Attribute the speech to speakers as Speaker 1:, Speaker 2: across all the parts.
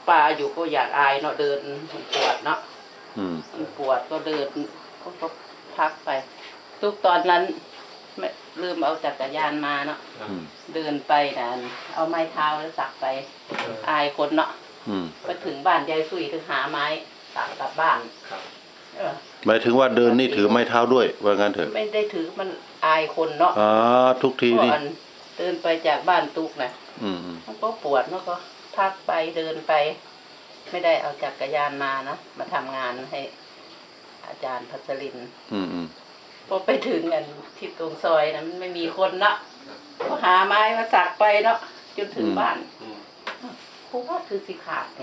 Speaker 1: ป่าอยู่ก็อยากอายเนาะเดินมันปวดเนาะมันปวดก็เดินก็พักไปทุกตอนนั้นไม่ลืมเอาจักรยานมาเนาะเดินไปนะเอาไม้เท้าแล้วสักไปอายคนเนาะไปถึงบ้านยายสุยถึงหาไม้สักกลับบ้าน
Speaker 2: หมายถึงว่าเดินนี่ถือไม้เท้าด้วยว่างั้นเถอะ
Speaker 1: ไม่ได้ถือมันอายคนเนาะ
Speaker 2: ทุกทีนี่
Speaker 1: เดินไปจากบ้านตุกนะมันก็ปวดแล้วก็พักไปเดินไปไม่ได้เอาจักรยานมานะมาทำงานให้อาจารย์พัชรินพอไปถึงกันที่ตรงซอยนะมันไม่มีคนเนาะก็หาไม้มาสักไปเนาะจนถึงบ้านเพราะว่าคือสิขาดไง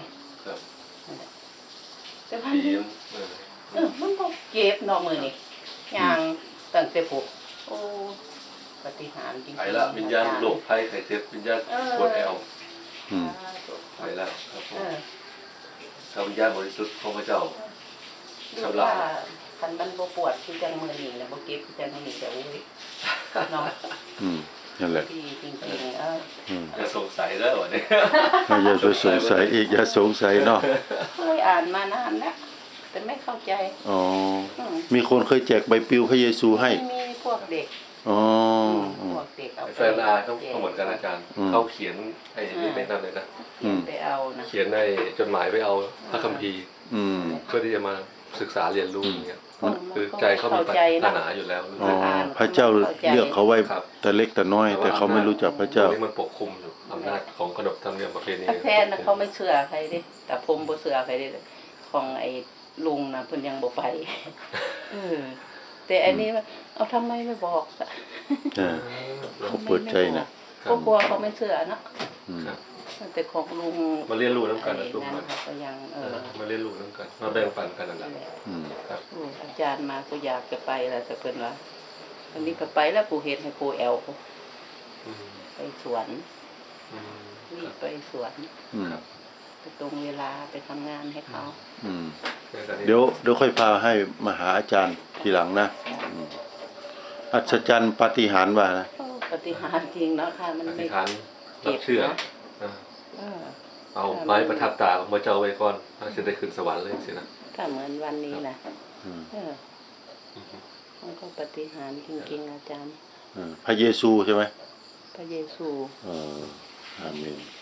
Speaker 1: แต่พันมันก็เก็บนอกมือนี่ยางตั้งแต่ปลุกโอ้ปฏิหารจริงๆ
Speaker 3: ไปละวิญญาณโลกภัยไข่เจ็บวิญญาณปวดแอวไปแล้วครับผมข้าวิญญาณบริสุทธิ์ของพระเจ้าชำระ
Speaker 1: คันมันบ่ปวดคือจังมือนี่นะบ่เก็บคือจังมือนี่แต่อุ้ยเนาะ
Speaker 2: นั่นแหละ
Speaker 1: จริง
Speaker 3: อย่าสงสัยแล้ววันนี้
Speaker 2: อย่าสงสัยอีกอย่าสงสัยเนาะ
Speaker 1: เคยอ่านมานานแล้วแต่ไม่เข้าใจ
Speaker 2: มีคนเคยแจกใบปลิวพระเยซูให้
Speaker 1: มีพวกเด็กพวกเด็กเอา
Speaker 3: แฟนอาต้องเหมือนกันอาจารย์เขาเขียนไอ้นี่ไม่นั่นเลยนะ
Speaker 1: ไปเอานะ
Speaker 3: เขียนในจดหมายไปเอาพระคัมภีร์เพื่อที่จะมาศึกษาเรียนรู้อย่างเงี้ยคือใจเขามีปัญหาอยู่แล้ว
Speaker 2: พระเจ้าเลือกเขาไว้แต่เล็กแต่น้อยแต่เขาไม่รู้จักพระเจ้า
Speaker 3: ที่มันปกคลุมอยู่อำนาจของขนบธรรมเนียมประเพณี
Speaker 1: แฟนเขาไม่เชื่อใครดิแต่ผมบ่เชื่อใครดิของไอ้ลุงนะเพิ่นยังบ่ไปแต่อันนี้เอาทำไมไม่บอก
Speaker 2: เขาเปิดใจนะ
Speaker 1: ก็กลัวเขาไม่เชื่อนะแต่ของลุง
Speaker 3: มาเรียนรู้น้ำกันนะลุงมัน
Speaker 1: ก็ยัง
Speaker 3: มาเรียนรู้น้ำกันมาแบ่งปันกันนั่นแหละ
Speaker 1: ครับอาจารย์มาก็อยากจะไปแล้วแต่เพิ่นว่าอันนี้ก็ไปแล้วกูเห็นให้กูแอลไปสวนรีบไปสวนไปตรงเวลาไปทำงานให้เขา
Speaker 2: เดี๋ยวค่อยพาให้มาหาอาจารย์ทีหลังนะอัศจรรย์ปาฏิหาริย์ว่านะ
Speaker 1: ปาฏิหาริย์จริงเนาะค่ะมันไม่
Speaker 3: เก็บเชื่อเอาไม้ประทับตาของพระเจ้าไว้ก่อนจะได้ขึ้นสวรรค์เลยสินะ
Speaker 1: ถ้าเหมือนวันนี้นะมันก็ปาฏิหาริย์จริงๆอาจารย์
Speaker 2: พระเยซูใช่ไหม
Speaker 1: พระเยซู
Speaker 2: อาเมน